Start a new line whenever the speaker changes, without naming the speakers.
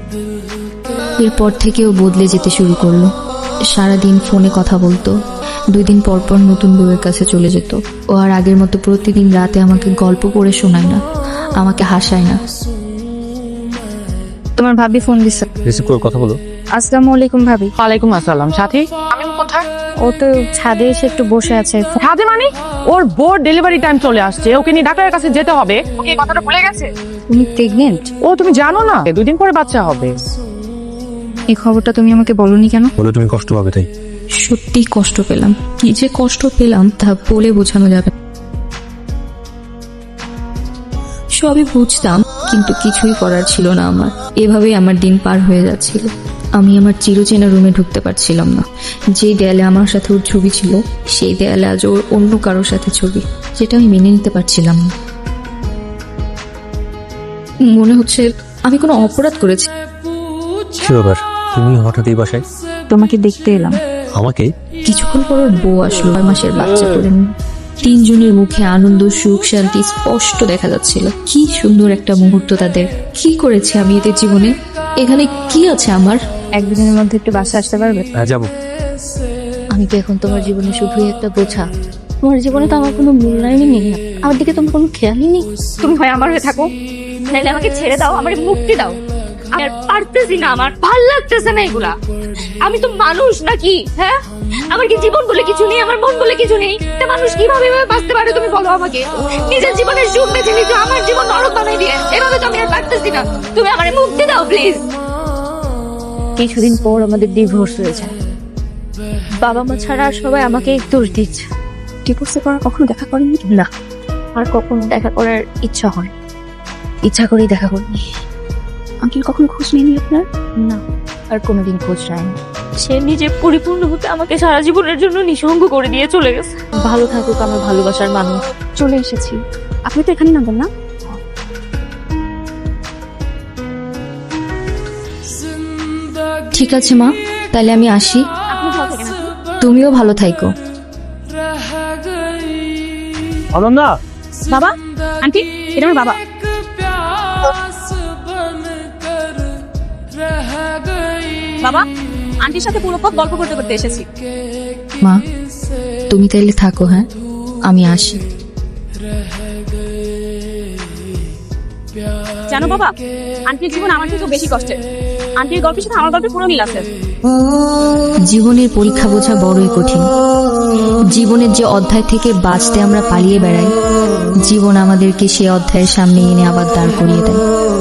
এরপর থেকে ও বদলে যেতে শুরু করলো। সারাদিন ফোনে কথা বলতো, 2 দিন পর পর নতুন বউয়ের কাছে চলে যেত। ও আর আগের মতো প্রতিদিন রাতে আমাকে গল্প পড়ে শোনায় না, আমাকে হাসায় না।
তোমার ভাবি ফোন দিছে।
রিসিভ করে কথা বলো।
আসসালামু আলাইকুম ভাবি।
ওয়ালাইকুম আসসালাম। সাথী আমি কোথায়?
ও তো ছাদে এসে একটু বসে আছে।
ছাদে মানে? ওর বোর ডেলিভারি টাইম চলে আসছে, ওকে নিয়ে ডাক্তারের কাছে যেতে হবে। ওকে এই কথাটা ভুলে গেছে?
তুমি প্রেগনেন্ট?
ও তুমি জানো না 2 দিন পরে বাচ্চা হবে।
এই খবরটা তুমি আমাকে বলনি কেন?
বলে তুমি কষ্ট পাবে তাই।
সত্যি কষ্ট পেলাম, কি যে কষ্ট পেলাম তা বলে বোঝানো যাবে না। সবই বুঝতাম, কিন্তু কিছুই করার ছিল না আমার। এভাবেই আমার দিন পার হয়ে যাচ্ছিল। আমি আমার চিরচেনা রুমে ঢুকতে পারছিলাম না। যে দেয়ালে আমার সাথে ওর ছবি ছিল, সেই দেয়ালে আজ ওর অন্য কারোর সাথে ছবি, যেটা আমি মেনে নিতে পারছিলাম না। মনে হচ্ছে আমি কোনো অপরাধ করেছি।
কি ব্যাপার, তুমি হঠাৎ এই বাসায়?
তোমাকে দেখতে এলাম।
আমাকে?
কিছুক্ষণ পর ওর বউ আসলো, 6 মাসের বাচ্চা করে নিয়ে। 3 জনের মুখে আনন্দ, সুখ, শান্তি স্পষ্ট দেখা যাচ্ছিল। কি সুন্দর একটা মুহূর্ত তাদের। কি করেছে আমি এদের জীবনে? এখানে কি আছে আমার?
1-2 দিনের মধ্যে একটু বাসা আসতে পারবে?
হ্যাঁ যাবো।
আমি তো এখন তোমার জীবনে শুধুই একটা বোঝা। তোমার জীবনে তো আমার কোনো মূল্যায়নই নেই, আমার দিকে তোমার কোনো খেয়ালই নেই।
তুমি হয় আমার হয়ে থাকো, নাহলে আমাকে ছেড়ে দাও, আমার মুক্তি দাও। আমি আর পারতেছি না, আমার ভাল লাগতেছে না এগুলা। আমি তো মানুষ নাকি? হ্যাঁ, আমার কি জীবন বলে কিছু নেই, আমার মন বলে কিছু নেই? তা মানুষ কিভাবে এভাবে বাঁচতে পারে তুমি বলো আমাকে? নিজের জীবনের সুখ বেছে নিতে আমার জীবন নরক বানাই দিয়ে, এভাবে তো আমি আর পারতেছি না। তুমি আমার মুক্তি দাও প্লিজ। কিছুদিন পর আমাদের ডিভোর্স হয়ে যায়। বাবা মা ছাড়া আর সবাই আমাকে দোষ দিচ্ছে।
ডিভোর্সের পর কখনো দেখা করেনি?
না, আর কখনো দেখা করার ইচ্ছা হয়, ইচ্ছা করেই দেখা করিনি।
আঙ্কেল কখনো খোঁজ নেয়নি আপনার?
না, আর কোনোদিন খোঁজ নেয়নি। সে নিজে পরিপূর্ণ হতে আমাকে সারা জীবনের জন্য নিঃসঙ্গ করে দিয়ে চলে গেছে। ভালো থাকুক আমার ভালোবাসার মানুষ।
চলে এসেছি। আপনি তো এখানে নামবেন না?
ঠিক আছে মা, তাহলে আমি আসি।
আপনি ভালো থাকেন।
তুমিও ভালো থাইকো।
অনন্যা,
বাবা, আন্টি, এটা আমার বাবা। বাবা, আন্টির সাথে পুরো পথ গল্প করতে করতে এসেছি।
মা, তুমি তাইলে থাকো, হ্যাঁ আমি আসি।
জানো বাবা, আন্টির জীবন আমার থেকেও বেশি কষ্টের। আন্টির গল্পের সাথে আমার গল্পের পুরো মিল আছে।
জীবনের পরীক্ষা বোঝা বড়ই কঠিন। জীবনের যে অধ্যায় থেকে বাঁচতে আমরা পালিয়ে বেড়াই, জীবন আমাদেরকে সে অধ্যায়ের সামনে এনে আবার দাঁড় করিয়ে দেয়।